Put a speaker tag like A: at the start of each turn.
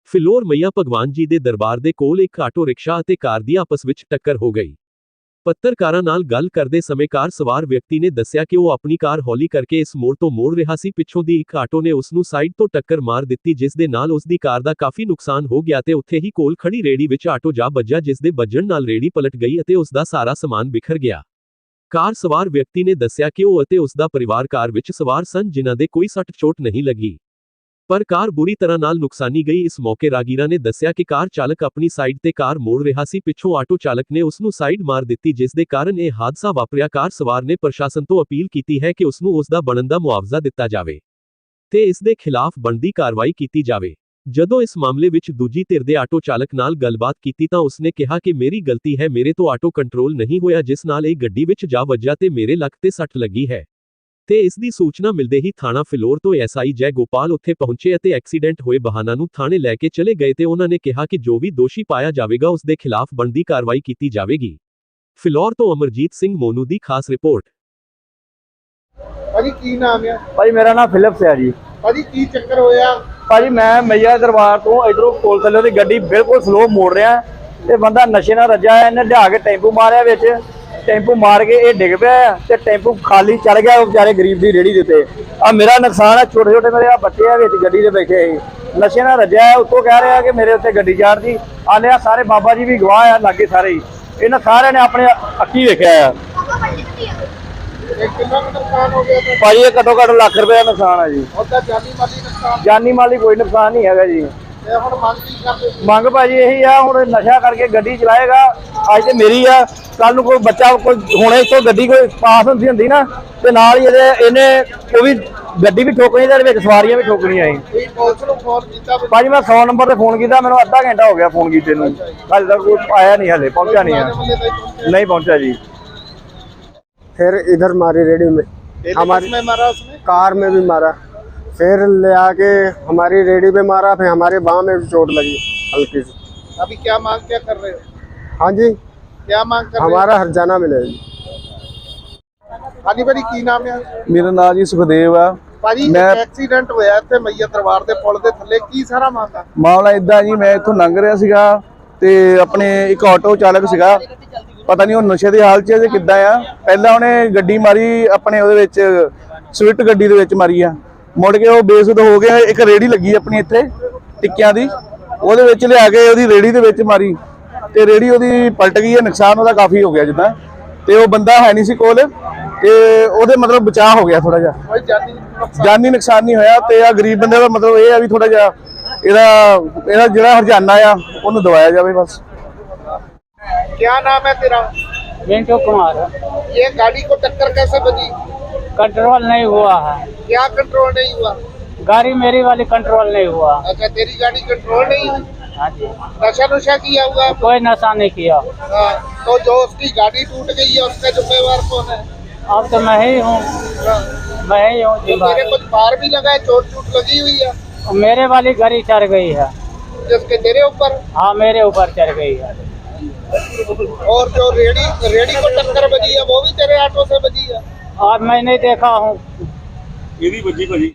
A: ਫਿਲੌਰ ਮਈਆ ਭਗਵਾਨ ਜੀ ਦੇ ਦਰਬਾਰ ਦੇ ਕੋਲ ਇੱਕ ਆਟੋ ਰਿਕਸ਼ਾ ਅਤੇ ਕਾਰ ਦੀ ਆਪਸ ਵਿੱਚ ਟੱਕਰ ਹੋ ਗਈ। ਪੱਤਰਕਾਰਾਂ ਨਾਲ ਗੱਲ ਕਰਦੇ ਸਮੇਂ ਕਾਰ ਸਵਾਰ ਵਿਅਕਤੀ ਨੇ ਦੱਸਿਆ ਕਿ ਉਹ ਆਪਣੀ ਕਾਰ ਹੌਲੀ ਕਰਕੇ ਇਸ ਮੋੜ ਤੋਂ ਮੋੜ ਰਿਹਾ ਸੀ। ਪਿੱਛੋਂ ਦੀ ਇੱਕ ਆਟੋ ਨੇ ਉਸ ਨੂੰ ਸਾਈਡ ਤੋਂ ਟੱਕਰ ਮਾਰ ਦਿੱਤੀ, ਜਿਸ ਦੇ ਨਾਲ ਉਸ ਦੀ ਕਾਰ ਦਾ ਕਾਫੀ ਨੁਕਸਾਨ ਹੋ ਗਿਆ ਤੇ ਉੱਥੇ ਹੀ ਕੋਲ ਖੜੀ ਰੇਹੜੀ ਵਿੱਚ ਆਟੋ ਜਾ ਵੱਜਾ, ਜਿਸ ਦੇ ਵੱਜਣ ਨਾਲ ਰੇਹੜੀ ਪਲਟ ਗਈ ਅਤੇ ਉਸ ਦਾ ਸਾਰਾ ਸਮਾਨ ਬਿਖਰ ਗਿਆ। ਕਾਰ ਸਵਾਰ ਵਿਅਕਤੀ ਨੇ ਦੱਸਿਆ ਕਿ ਉਹ ਅਤੇ ਉਸ ਦਾ ਪਰਿਵਾਰ ਕਾਰ ਵਿੱਚ ਸਵਾਰ ਸਨ, ਜਿਨ੍ਹਾਂ ਦੇ ਕੋਈ ਸੱਟ ਚੋਟ ਨਹੀਂ ਲੱਗੀ, ਪਰ ਕਾਰ ਬੁਰੀ ਤਰ੍ਹਾਂ ਨਾਲ ਨੁਕਸਾਨੀ ਗਈ। ਇਸ ਮੌਕੇ ਰਾਗੀਰਾ ਨੇ ਦੱਸਿਆ ਕਿ ਕਾਰ ਚਾਲਕ ਆਪਣੀ ਸਾਈਡ ਤੇ ਕਾਰ ਮੋੜ ਰਿਹਾ ਸੀ। ਪਿੱਛੋਂ ਆਟੋ ਚਾਲਕ ਨੇ ਉਸ ਨੂੰ ਸਾਈਡ ਮਾਰ ਦਿੱਤੀ, ਜਿਸ ਦੇ ਕਾਰਨ ਇਹ ਹਾਦਸਾ ਵਾਪਰਿਆ। ਕਾਰ ਸਵਾਰ ਨੇ ਪ੍ਰਸ਼ਾਸਨ ਤੋਂ ਅਪੀਲ ਕੀਤੀ ਹੈ ਕਿ ਉਸ ਨੂੰ ਉਸ ਦਾ ਬਣਦਾ ਮੁਆਵਜ਼ਾ ਦਿੱਤਾ ਜਾਵੇ ਤੇ ਇਸ ਦੇ ਖਿਲਾਫ ਬਣਦੀ ਕਾਰਵਾਈ ਕੀਤੀ ਜਾਵੇ। ਜਦੋਂ ਇਸ ਮਾਮਲੇ ਵਿੱਚ ਦੂਜੀ ਧਿਰ ਦੇ ਆਟੋ ਚਾਲਕ ਨਾਲ ਗੱਲਬਾਤ ਕੀਤੀ ਤਾਂ ਉਸਨੇ ਕਿਹਾ ਕਿ ਮੇਰੀ ਗਲਤੀ ਹੈ, ਮੇਰੇ ਤੋਂ ਆਟੋ ਕੰਟਰੋਲ ਨਹੀਂ ਹੋਇਆ, ਜਿਸ ਨਾਲ ਇਹ ਗੱਡੀ ਵਿੱਚ ਜਾ ਵੱਜਾ ਤੇ ਮੇਰੇ ਲੱਕ ਤੇ ਸੱਟ ਲੱਗੀ ਹੈ। ਤੇ ਇਸ ਦੀ ਸੂਚਨਾ ਮਿਲਦੇ ਹੀ ਥਾਣਾ ਫਿਲੌਰ ਤੋਂ ਐਸਆਈ ਜੈ ਗੋਪਾਲ ਉੱਥੇ ਪਹੁੰਚੇ ਅਤੇ ਐਕਸੀਡੈਂਟ ਹੋਏ ਵਾਹਨਾਂ ਨੂੰ ਥਾਣੇ ਲੈ ਕੇ ਚਲੇ ਗਏ ਤੇ ਉਹਨਾਂ ਨੇ ਕਿਹਾ ਕਿ ਜੋ ਵੀ ਦੋਸ਼ੀ ਪਾਇਆ ਜਾਵੇਗਾ ਉਸ ਦੇ ਖਿਲਾਫ ਬਣਦੀ ਕਾਰਵਾਈ ਕੀਤੀ ਜਾਵੇਗੀ। ਫਿਲੌਰ ਤੋਂ ਅਮਰਜੀਤ ਸਿੰਘ ਮੋਨੂ ਦੀ ਖਾਸ ਰਿਪੋਰਟ।
B: ਭਾਜੀ ਕੀ ਨਾਮ ਹੈ?
C: ਭਾਜੀ ਮੇਰਾ ਨਾਮ ਫਿਲਿਪਸ ਹੈ ਜੀ।
B: ਭਾਜੀ ਕੀ ਚੱਕਰ ਹੋਇਆ?
C: ਭਾਜੀ ਮੈਂ ਮਈਆ ਦਰਬਾਰ ਤੋਂ ਇਧਰੋਂ ਪੁਲ ਥੱਲੇ ਦੀ ਗੱਡੀ ਬਿਲਕੁਲ ਸਲੋ ਮੋੜ ਰਿਹਾ ਤੇ ਬੰਦਾ ਨਸ਼ੇ ਨਾਲ ਰੱਜਾ ਹੈ, ਇਹਨੇ ਲਿਆ ਕੇ ਟੈਂਪੂ ਮਾਰਿਆ, ਵਿੱਚ ਟੈਂਪੂ ਮਾਰ ਕੇ ਇਹ ਡਿੱਗ ਪਿਆ ਤੇ ਟੈਂਪੂ ਖਾਲੀ ਚੜ ਗਿਆ ਉਹ ਵਿਚਾਰੇ ਗਰੀਬ ਦੀ ਰੇੜੀ ਦੇ ਉੱਤੇ। ਆ ਮੇਰਾ ਨੁਕਸਾਨ ਹੈ, ਛੋਟੇ ਛੋਟੇ ਮੇਰੇ ਆ ਬੱਚੇ ਆ ਵਿੱਚ ਗੱਡੀ ਦੇ ਬੈਠੇ ਸੀ, ਨਸ਼ੇ ਨਾਲ ਰੱਜਿਆ ਹੈ। ਉੱਤੋਂ ਕਹਿ ਰਿਹਾ ਕਿ ਮੇਰੇ ਉੱਤੇ ਗੱਡੀ ਚਾੜਦੀ। ਆਲੇ ਆ ਸਾਰੇ ਬਾਬਾ ਜੀ ਵੀ ਗਵਾਹ ਆ, ਲਾਗੇ ਸਾਰੇ ਹੀ, ਇਹਨਾਂ ਸਾਰਿਆਂ ਨੇ ਆਪਣੇ ਅੱਖੀ ਵੇਖਿਆ ਆ।
B: ਕਿੰਨਾ ਨੁਕਸਾਨ ਹੋ ਗਿਆ?
C: ਭਾਜੀ ਇਹ ਘੱਟੋ ਘੱਟ ਲੱਖ ਰੁਪਏ ਦਾ ਨੁਕਸਾਨ ਹੈ ਜੀ।
B: ਉਹਦਾ ਜਾਨੀ ਮਾਲੀ ਨੁਕਸਾਨ?
C: ਜਾਨੀ ਮਾਲੀ ਕੋਈ ਨੁਕਸਾਨ ਨਹੀਂ ਹੈਗਾ ਜੀ।
B: ਤੇ ਹੁਣ ਮੰਗ ਕੀ ਕਰਦੇ?
C: ਮੰਗ ਭਾਜੀ ਇਹੀ ਆ, ਹੁਣ ਨਸ਼ਾ ਕਰਕੇ ਗੱਡੀ ਚਲਾਏਗਾ, ਅੱਜ ਤੇ ਮੇਰੀ ਆ, ਕੱਲ ਨੂੰ ਕੋਈ ਬੱਚਾ ਕੋਈ ਹੁਣੇ ਇੱਥੋਂ ਗੱਡੀ ਕੋਈ ਪਾਸ ਹੁੰਦੀ ਨਾ ਤੇ ਨਾਲ ਹੀ ਇਹਨੇ ਉਹ ਵੀ ਗੱਡੀ ਵੀ ਠੋਕਣੀ ਤੇ ਵਿੱਚ ਸਵਾਰੀਆਂ ਵੀ ਠੋਕਣੀਆਂ ਸੀ।
B: ਤੁਸੀਂ ਪੁਲਿਸ ਨੂੰ ਫੋਨ ਕੀਤਾ?
C: ਭਾਜੀ ਮੈਂ 100 ਨੰਬਰ ਤੇ ਫੋਨ ਕੀਤਾ, ਮੈਨੂੰ ਅੱਧਾ ਘੰਟਾ ਹੋ ਗਿਆ ਫੋਨ ਕੀਤੇ ਨੂੰ, ਹਾਲੇ ਤੱਕ ਕੋਈ ਆਇਆ नहीं, हले पहुंचा नहीं है, नहीं पहुंचा जी।
D: फिर इधर मारी रेडी में, हमारी
B: में मारा उसने?
D: कार में भी मारा, फिर ले आके हमारी रेडी पे मारा, फिर हमारे बाँह में भी चोट लगी हल्की सी।
B: अभी क्या मांग क्या कर रहे हो?
D: हाँ जी,
B: क्या मांग कर रहे हो?
D: हमारा हर्जाना मिले जी।
B: ਹਾਂਜੀ ਭਾਜੀ ਕੀ ਨਾਮ ਹੈ?
C: ਮੇਰਾ ਨਾਮ ਜੀ ਸੁਖਦੇਵ ਆ।
B: ਭਾਜੀ ਐਕਸੀਡੈਂਟ ਹੋਇਆ ਇੱਥੇ ਮਈਆ ਦਰਬਾਰ ਦੇ ਪੁਲ ਦੇ ਥੱਲੇ, ਕੀ ਸਾਰਾ
C: ਮਾਮਲਾ ਇਦਾਂ ਜੀ, ਮੈਂ ਇੱਥੋਂ ਲੰਘ ਰਿਹਾ ਸੀਗਾ ਤੇ ਆਪਣੇ ਇੱਕ ਆਟੋ ਚਾਲਕ ਸੀਗਾ, ਪਤਾ ਨਹੀਂ ਉਹ ਨਸ਼ੇ ਦੀ ਹਾਲਤ 'ਚ ਕਿੱਦਾਂ ਆ, ਪਹਿਲਾਂ ਉਹਨੇ ਗੱਡੀ ਮਾਰੀ ਆਪਣੇ ਉਹਦੇ ਵਿੱਚ ਸਵਿਫਟ ਗੱਡੀ ਦੇ ਵਿੱਚ ਮਾਰੀ ਆ, ਮੁੜ ਕੇ ਉਹ ਬੇਸੁੱਧ ਹੋ ਗਿਆ। ਇੱਕ ਰੇੜੀ ਲੱਗੀ ਆਪਣੀ ਇੱਥੇ ਟਿੱਕਿਆਂ ਦੀ, ਉਹਦੇ ਵਿੱਚ ਲਿਆ ਕੇ ਉਹਦੀ ਰੇੜੀ ਦੇ ਵਿੱਚ ਮਾਰੀ ਤੇ ਰੇੜੀ ਉਹਦੀ ਪਲਟ ਗਈ ਹੈ, ਨੁਕਸਾਨ ਉਹਦਾ ਕਾਫੀ ਹੋ ਗਿਆ ਜਿੱਦਾਂ, ਤੇ ਉਹ ਬੰਦਾ ਹੈ ਨਹੀਂ ਸੀ ਕੋਲ ਤੇ ਉਹਦੇ ਮਤਲਬ ਬਚਾਅ ਹੋ ਗਿਆ ਥੋੜਾ ਜਿਹਾ, ਜਾਨੀ ਨੁਕਸਾਨ ਨਹੀਂ ਹੋਇਆ। ਤੇ ਆ ਗਰੀਬ ਬੰਦੇ ਦਾ ਮਤਲਬ ਇਹ ਆ ਵੀ ਥੋੜਾ ਜਿਹਾ ਇਹਦਾ ਜਿਹੜਾ ਹਰਜਾਨਾ ਆ ਉਹਨੂੰ ਦਵਾਇਆ ਜਾਵੇ ਬਸ।
B: क्या नाम है तेरा?
E: पिंटू कुमार।
B: ये गाड़ी को टक्कर कैसे बजी?
E: कंट्रोल नहीं हुआ है,
B: क्या कंट्रोल नहीं हुआ?
E: गाड़ी मेरी वाली कंट्रोल नहीं हुआ।
B: अच्छा तेरी गाड़ी कंट्रोल नहीं हुई?
E: हाँ जी।
B: नशा नुशा किया हुआ है?
E: कोई नशा नहीं किया।
B: हाँ, तो जो उसकी गाड़ी टूट गई है उसका जिम्मेवार कौन है?
E: अब तो मैं ही हूँ, मैं ही हूँ
B: तो तेरे कुछ बार भी लगा है, चोट चोट लगी हुई है?
E: मेरे वाली गाड़ी चढ़ गई है।
B: जिसके तेरे ऊपर?
E: हाँ मेरे ऊपर चढ़ गई है।
B: और जो रेडी को टक्कर बजी है वो भी तेरे ऑटो से बजी है?
E: आज मैं नहीं देखा हूँ।
C: ये भी बजी